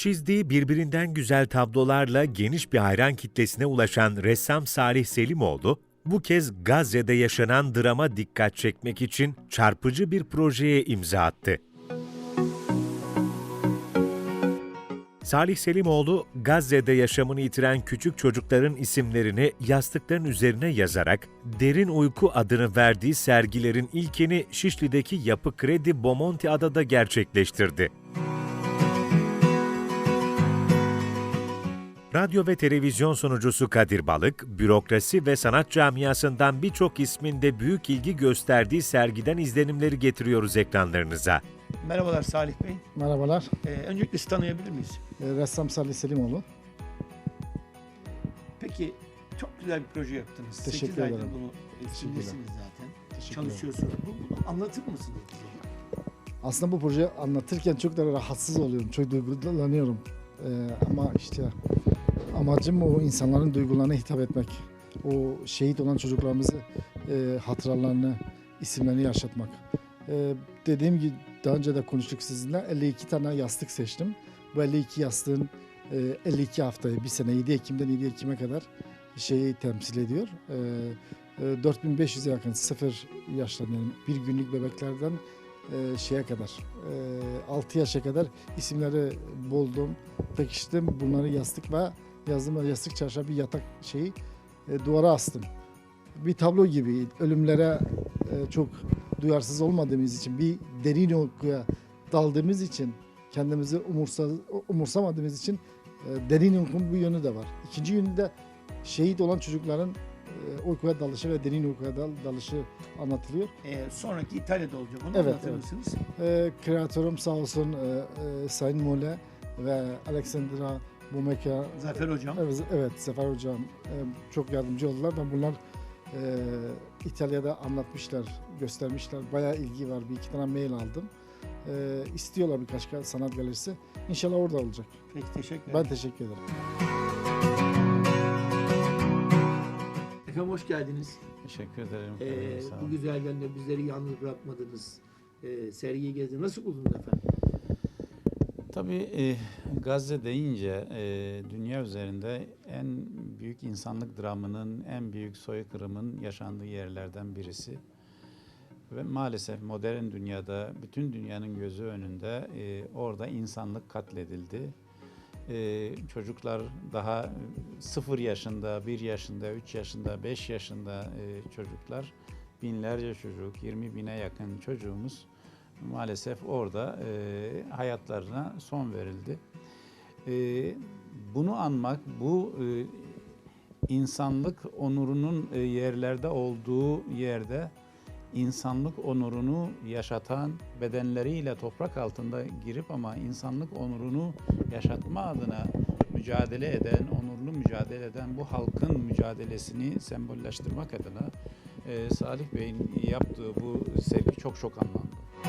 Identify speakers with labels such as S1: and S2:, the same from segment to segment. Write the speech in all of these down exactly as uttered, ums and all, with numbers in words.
S1: Çizdiği birbirinden güzel tablolarla geniş bir hayran kitlesine ulaşan ressam Salih Selimoğlu, bu kez Gazze'de yaşanan drama dikkat çekmek için çarpıcı bir projeye imza attı. Salih Selimoğlu, Gazze'de yaşamını yitiren küçük çocukların isimlerini yastıkların üzerine yazarak Derin Uyku adını verdiği sergilerin ilkini Şişli'deki Yapı Kredi Bomonti Adada gerçekleştirdi. Radyo ve televizyon sunucusu Kadir Balık, bürokrasi ve sanat camiasından birçok ismin de büyük ilgi gösterdiği sergiden izlenimleri getiriyoruz ekranlarınıza.
S2: Merhabalar Salih Bey.
S3: Merhabalar.
S2: Ee, öncelikle sizi tanıyabilir miyiz?
S3: E, Ressam Salih Selimoğlu.
S2: Peki, çok güzel bir proje yaptınız.
S3: Teşekkür
S2: sekiz aydır
S3: ederim.
S2: bunu
S3: Teşekkürler.
S2: üstündesiniz zaten.
S3: Teşekkür
S2: Çalışıyorsunuz. Bu- Bunu anlatır mısınız bize?
S3: Aslında bu projeyi anlatırken çok da rahatsız oluyorum. Çok duygulanıyorum. E, ama işte amacım o insanların duygularına hitap etmek. O şehit olan çocuklarımızı e, hatıralarını, isimlerini yaşatmak. E, dediğim gibi daha önce de konuştuk sizinle. elli iki tane yastık seçtim. Bu elli iki yastığın e, elli iki haftayı, bir sene yedi Ekim'den yedi Ekim'e kadar şeyi temsil ediyor. E, e, dört bin beş yüze yakın sıfır yaştan yani bir günlük bebeklerden e, şeye kadar e, altı yaşa kadar isimleri buldum, pekiştim. Bunları yastık ve yazdım ve yastık çarşaf bir yatak şeyi e, duvara astım. Bir tablo gibi ölümlere e, çok duyarsız olmadığımız için, bir derin uykuya daldığımız için, kendimizi umursa, umursamadığımız için e, derin uykunun bu yönü de var. İkinci yönü de şehit olan çocukların e, uykuya dalışı ve derin uykuya dal, dalışı anlatılıyor.
S2: Ee, sonraki İtalya'da olacak. Onu
S3: Evet,
S2: anlatır
S3: evet.
S2: mısınız?
S3: E, kreatörüm sağ olsun e, e, Sayın Mole ve Alexandra Bumeka.
S2: Zafer Hocam.
S3: Evet, evet Zafer Hocam e, çok yardımcı oldular. Ben bunlar e, İtalya'da anlatmışlar, göstermişler. Bayağı ilgi var. Bir iki tane mail aldım. E, istiyorlar birkaç sanat galerisi. İnşallah orada olacak.
S2: Peki, teşekkür ederim.
S3: Ben teşekkür ederim.
S2: Efendim hoş geldiniz.
S4: Teşekkür ederim.
S2: Ee,
S4: Sağ
S2: bu
S4: olun.
S2: güzel günde bizleri yalnız bırakmadınız. Ee, sergiyi gezdiniz. Nasıl buldunuz efendim?
S4: Tabii e, Gazze deyince e, dünya üzerinde en büyük insanlık dramının, en büyük soykırımın yaşandığı yerlerden birisi. Ve maalesef modern dünyada, bütün dünyanın gözü önünde e, orada insanlık katledildi. E, çocuklar daha sıfır yaşında, bir yaşında, üç yaşında, beş yaşında e, çocuklar, binlerce çocuk, yirmi bine yakın çocuğumuz maalesef orada e, hayatlarına son verildi. E, bunu anmak, bu e, insanlık onurunun e, yerlerde olduğu yerde insanlık onurunu yaşatan, bedenleriyle toprak altında girip ama insanlık onurunu yaşatma adına mücadele eden, onurlu mücadele eden bu halkın mücadelesini sembolleştirmek adına e, Salih Bey'in yaptığı bu sergi çok çok anlamlı.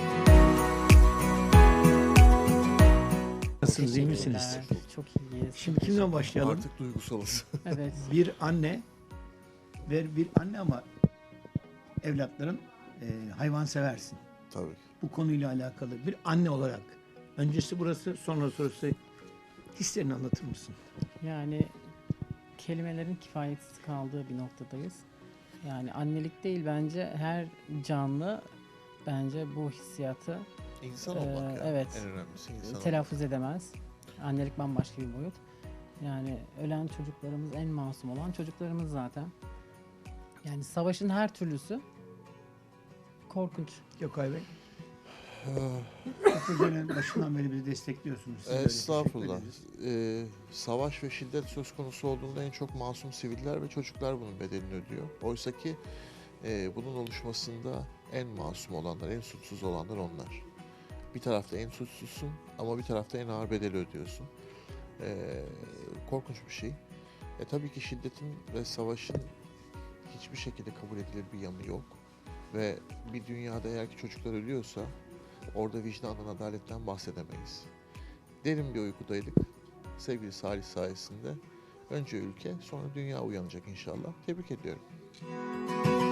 S2: Nasılsınız, iyi misiniz?
S5: Çok iyiyiz.
S2: Şimdi kimden başlayalım?
S6: Artık duygusalız.
S5: Evet.
S2: Bir anne ve bir anne ama evlatların e, hayvan seversin.
S6: Tabii.
S2: Bu konuyla alakalı bir anne olarak. Öncesi burası, sonra sonrası hislerini anlatır mısın?
S5: Yani kelimelerin kifayetsiz kaldığı bir noktadayız. Yani annelik değil bence her canlı bence bu hissiyatı
S6: İnsan
S5: Ee,
S6: olmak yani.
S5: evet.
S6: En önemlisi insan
S5: telaffuz edemez. Annelik bambaşka bir boyut. Yani ölen çocuklarımız en masum olan çocuklarımız zaten. Yani savaşın her türlüsü korkunç.
S2: Gökay Bey.
S6: olmak.
S2: Bu projenin başından beri bizi destekliyorsunuz. Size
S6: Ee,
S2: böyle
S6: Estağfurullah.
S2: teşekkür ederiz.
S6: Ee, savaş ve şiddet söz konusu olduğunda en çok masum siviller ve çocuklar bunun bedelini ödüyor. Oysa ki e, bunun oluşmasında en masum olanlar, en suçsuz olanlar onlar. Bir tarafta en suçsuzsun ama bir tarafta en ağır bedeli ödüyorsun. Ee, korkunç bir şey. E, tabii ki şiddetin ve savaşın hiçbir şekilde kabul edilir bir yanı yok. Ve bir dünyada eğer ki çocuklar ölüyorsa orada vicdandan, adaletten bahsedemeyiz. Derin bir uykudaydık. Sevgili Salih sayesinde önce ülke, sonra dünya uyanacak inşallah. Tebrik ediyorum.